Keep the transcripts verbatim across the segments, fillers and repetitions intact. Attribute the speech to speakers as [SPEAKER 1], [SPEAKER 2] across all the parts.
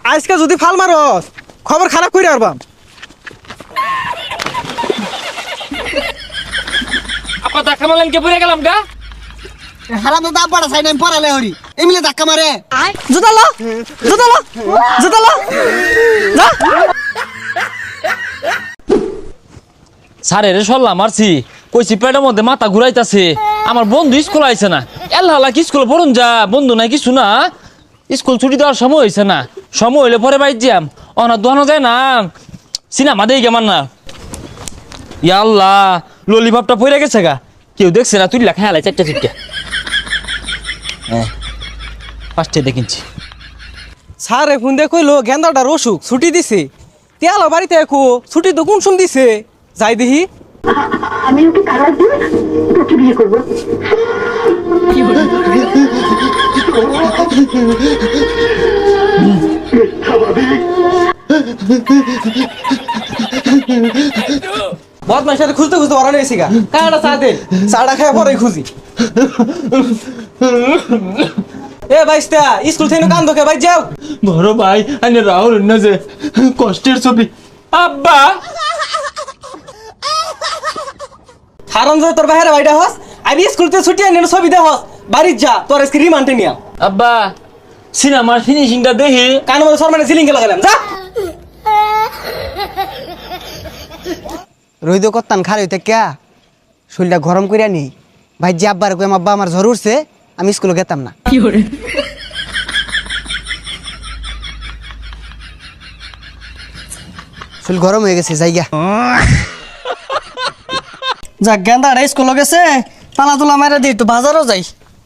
[SPEAKER 1] আজকে যদি ফাল মারস খবর খারাপ করে আরবাম।
[SPEAKER 2] আপা ধাক্কা মারলেন কে পড়ে গেলাম গা।
[SPEAKER 3] হারাম তো দাম পড়া চাই না পড়ালে হরি এমনি ধাক্কা মারে।
[SPEAKER 1] জুতালো জুতালো জুতালো যা।
[SPEAKER 2] স্যার এর সল্লা মারছি কইছি পেটের মধ্যে মাথা ঘুরাইতাছে। আমার বন্ধু স্কুল আইছে না, এল্লা কি স্কুল পড়ুন যা বন্ধু নাই কিছু না। স্কুল ছুটি দেওয়ার সময় হয়েছে না, সময় হইলে পরে বাইর যাম। অনা দোয়ানো যায় না, সিনেমা দেই কেমন না। ইয়া আল্লাহ ললিপপটা পড়ে গেছে গা, কেউ দেখছে না। তুই লেখা হেলাই চারটা চিটটা। হ্যাঁ ফার্স্টে দেখিনছি।
[SPEAKER 1] স্যার এখন দেখইলো গেন্দাটার অসুখ ছুটি দিছে। তেল বাড়িতে একো ছুটি তো কোন শুন দিছে যাই দেখি।
[SPEAKER 4] আমি ওকে তালাক দিয়ে তোকে বিয়ে করবো।
[SPEAKER 1] বদমাইশ সাথে খুঁজতে খুঁজতে বাড়ানো গেছি গা। কাটা চা দেন, চাটা খায় পরে খুঁজি। এ বাইস্তা স্কুল থেকে কান ধোকে ভাই যাও।
[SPEAKER 2] বড় ভাই আনে রাহুল না যে কষ্টের ছবি। আব্বা
[SPEAKER 1] হারাম যে তোর বাইরে বাইটা হস আমি স্কুল থেকে ছুটি আনি ছবি দে হস বাড়ি যা তোর আজকে রিমান্ডে নিয়া।
[SPEAKER 2] আব্বা সিনেমার ফিনিশিংটা দেখি।
[SPEAKER 1] কানের মধ্যে সরমানে সিলিং কে লাগালাম যা।
[SPEAKER 3] রইদ করতাম খারে হইতে ক্যা শরীরটা গরম করিয়া নেই ভাই যে আব্বার কই আব্বা আমার জ্বর উঠছে আমি স্কুলে গেতাম না। শরীর গরম হয়ে গেছে জায়গা।
[SPEAKER 1] যা গেন্দাটা স্কুলে গেছে পালা তোলা মারা দিই একটু বাজারও যাই।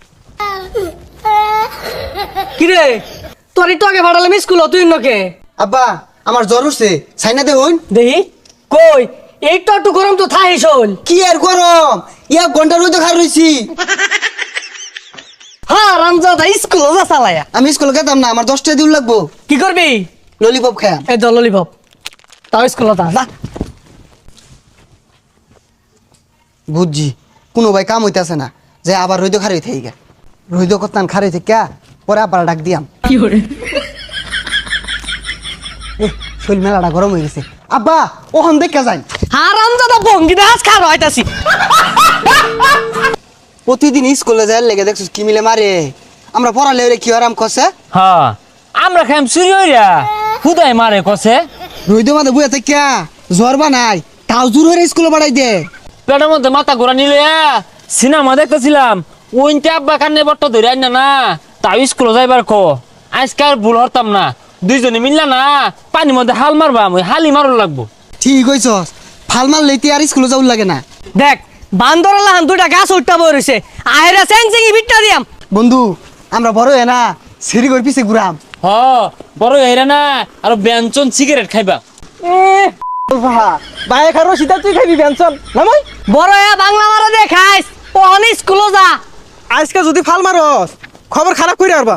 [SPEAKER 1] কিরে তোর একটু আগে ভাড়ালাম স্কুল তুই নকে।
[SPEAKER 3] আব্বা আমার জ্বর উঠছে সাইনা দেখুন
[SPEAKER 1] দেখি কই একটু একটু গরম তো থাই শোন।
[SPEAKER 3] কি আর গরম এক ঘন্টা রইদ খার রইছি।
[SPEAKER 1] হ্যাঁ রামজাদা স্কুল যা চালায়া।
[SPEAKER 3] আমি স্কুলে গেতাম না আমার দশটা দিন লাগবো।
[SPEAKER 1] কি করবি
[SPEAKER 3] ললিপপ খায়া
[SPEAKER 1] এই তো ললিপপ তাও স্কুল যা।
[SPEAKER 3] বুঝছি কোনো ভাই কাম হইতেছে না যে আবার রইদ খার হইতে গা রইদ করতাম খার হইতে ক্যা পরে আবার ডাক দিয়াম। এ শরীর মেলাটা গরম হয়ে গেছে আব্বা ওখান দেখে যাই।
[SPEAKER 1] হ্যাঁ রামজাদা ভঙ্গি দাস খার হইতাছি।
[SPEAKER 3] প্রতিদিন স্কুলে যায় লেগে দেখছিস কি মিলে মারে আমরা পড়ালে ওরে কি আরাম কষে।
[SPEAKER 2] হ্যাঁ আমরা খাইম চুরি হইরা খুদাই মারে কষে।
[SPEAKER 3] রইদ মাঝে বুয়া থেকে জ্বর বানাই তাও জোর হয়ে স্কুলে বাড়াই দে।
[SPEAKER 2] পেটের মধ্যে মাথা ঘোরা নিলে সিনেমা দেখতেছিলাম ওইতে আব্বা কান্নে বট্ট ধরে আইনা না তাও স্কুলে যাইবার ক আজকে আর ভুল হরতাম না। দুইজনে মিললা না পানির মধ্যে হাল মারবাম ওই হালি মারুন লাগবো।
[SPEAKER 3] ঠিক হইছস ফাল মারলে আর স্কুলে যাওয়ার লাগে না।
[SPEAKER 1] দেখ বান্দর লাহান দুটা গাছ উঠটা বই রইছে আহেরা সেং সেং বিটটা দিয়াম।
[SPEAKER 3] বন্ধু আমরা বড় হয়ে না সিঁড়ি করে পিছে ঘুরাম।
[SPEAKER 2] হ বড় হইরা না আর ব্যঞ্জন সিগারেট খাইবা।
[SPEAKER 1] বাইরে খারো সিধা তুই খাবি পেনশন নামাই বড় বাংলা মারা দে খাইস ওহন স্কুলে যা। আজকে যদি ফাল মারস খবর খারাপ করে আরবাম।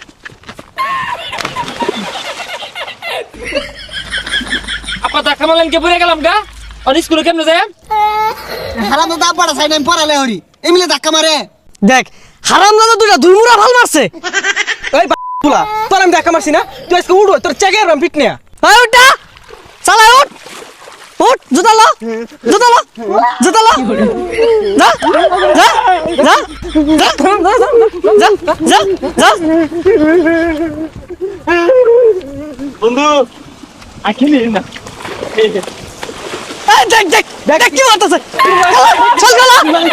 [SPEAKER 2] আপা ধাক্কা মারলেন কে পড়ে গেলাম গা। আর স্কুলে কেমনে যায়।
[SPEAKER 3] হারাম তো দাম পড়া চাই না পড়ালে হরি এমনি ধাক্কা মারে।
[SPEAKER 1] দেখ হারাম দাদা দুটা দুইমুরা ভাল মারছে। এই বাবুলা তোর আমি দেখা মারছি না তুই আজকে উড়ো তোর চেকে আরবাম পিট নিয়া। এই উঠা চালা উঠ উঠ জুতা লো জুতা লো জুতা লো যা যা যা যা যা যা।
[SPEAKER 2] বন্ধু আখিলি না
[SPEAKER 1] এই দেখ দেখ দেখ কি মারতেছে চল গলা